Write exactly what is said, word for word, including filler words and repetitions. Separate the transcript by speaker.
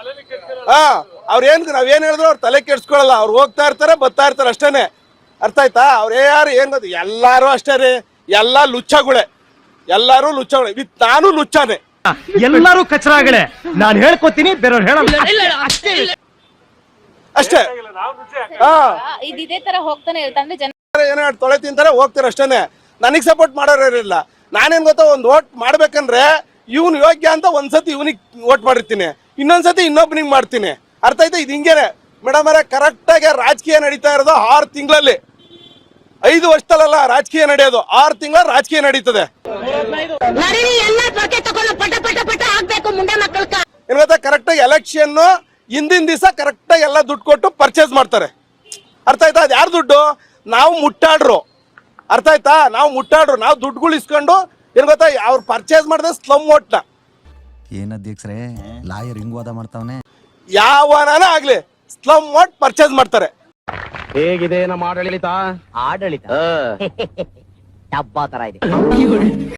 Speaker 1: ಹಾ ಅವ್ರ ಏನ್ ನಾವ್ ಏನ್ ಹೇಳಿದ್ರು ಅವ್ರು ತಲೆ ಕೆಡ್ಸ್ಕೊಳಲ್ಲ. ಅವ್ರು ಹೋಗ್ತಾ ಇರ್ತಾರೆ ಬರ್ತಾ ಇರ್ತಾರೆ ಅಷ್ಟೇನೆ. ಅರ್ಥ ಆಯ್ತಾ? ಅವ್ರ ಯಾರು ಏನ್ ಗೊತ್ತು, ಎಲ್ಲಾರು ಅಷ್ಟೇ ರೀ, ಎಲ್ಲಾ ಲುಚ್ಚಗಳೇ, ಎಲ್ಲಾರು ಲುಚ್ಚಗಳೇ. ವಿತ್ ನಾನು ಲುಚ್ಚಾನೆ,
Speaker 2: ಎಲ್ಲರೂ ಕಚರಾಗಳೇ. ನಾನು ಹೇಳ್ಕೊತೀನಿ, ಬೇರೆಯವ್ರು ಹೇಳಲ್ಲ ಅಷ್ಟೇ.
Speaker 1: ಹಾ
Speaker 3: ಇದೇ ತರ ಹೋಗ್ತಾನೆ ಇರ್ತಾನೆ. ಜನ
Speaker 1: ಏನೋ ತೊಳೆ ತಿಂತಾರೆ ಹೋಗ್ತಾರೆ ಅಷ್ಟೇನೆ. ನನಗ್ ಸಪೋರ್ಟ್ ಮಾಡೋರು ಇರಲಿಲ್ಲ. ನಾನೇನ್ ಗೊತ್ತಾ, ಒಂದ್ ಓಟ್ ಮಾಡ್ಬೇಕಂದ್ರೆ ಇವ್ನು ಯೋಗ್ಯ ಅಂತ ಒಂದ್ಸತಿ ಇವನಿಗೆ ಓಟ್ ಮಾಡಿರ್ತೀನಿ, ಇನ್ನೊಂದ್ಸತಿ ಇನ್ನೊಬ್ಬನಿಗೆ ಮಾಡ್ತೀನಿ. ಅರ್ಥ ಆಯ್ತಾ? ಇದು ಹಿಂಗೇನೆ ಮೇಡಮ್ ಅವರೇ. ಕರೆಕ್ಟ್ ಆಗಿ ರಾಜಕೀಯ ನಡೀತಾ ಇರೋದು ಆರು ತಿಂಗಳಲ್ಲಿ, ಐದು ವರ್ಷದಲ್ಲ ರಾಜಕೀಯ ನಡೆಯೋದು, ಆರು ತಿಂಗಳ ರಾಜಕೀಯ ನಡೀತದೆ. ಏನ್ ಗೊತ್ತಾ, ಕರೆಕ್ಟ್ ಆಗಿ ಎಲೆಕ್ಷನ್ ಹಿಂದಿನ ದಿವಸ ಕರೆಕ್ಟ್ ಆಗಿ ಎಲ್ಲ ದುಡ್ಡು ಕೊಟ್ಟು ಪರ್ಚೇಸ್ ಮಾಡ್ತಾರೆ. ಅರ್ಥ ಆಯ್ತಾ? ಅದು ಯಾರು ದುಡ್ಡು? ನಾವು ಮುಟ್ಟಾಡ್ರು. ಅರ್ಥ ಆಯ್ತಾ? ನಾವು ಮುಟ್ಟಾಡ್ರು, ನಾವು ದುಡ್ಡುಗಳು ಇಸ್ಕೊಂಡು ಏನ್ ಗೊತ್ತಾ, ಅವ್ರು ಪರ್ಚೇಸ್ ಮಾಡಿದ್ರೆ ಸ್ಲಮ್ ಓಟ್ನ.
Speaker 4: ಏನ್ ಅಧ್ಯಕ್ಷರೇ ಲಾಯರ್ ಹಿಂಗ್ ವಾದ ಮಾಡ್ತಾವನೆ?
Speaker 1: ಯಾವನಾನ ಆಗ್ಲಿ ಸ್ಲಮ್ ಓಟ್ ಪರ್ಚೇಸ್ ಮಾಡ್ತಾರೆ.
Speaker 2: ಹೇಗಿದೆ ನಮ್ಮ ಆಡಳಿತ?
Speaker 5: ಆಡಳಿತ ಡಬ್ಬಾ ತರ ಇದೆ.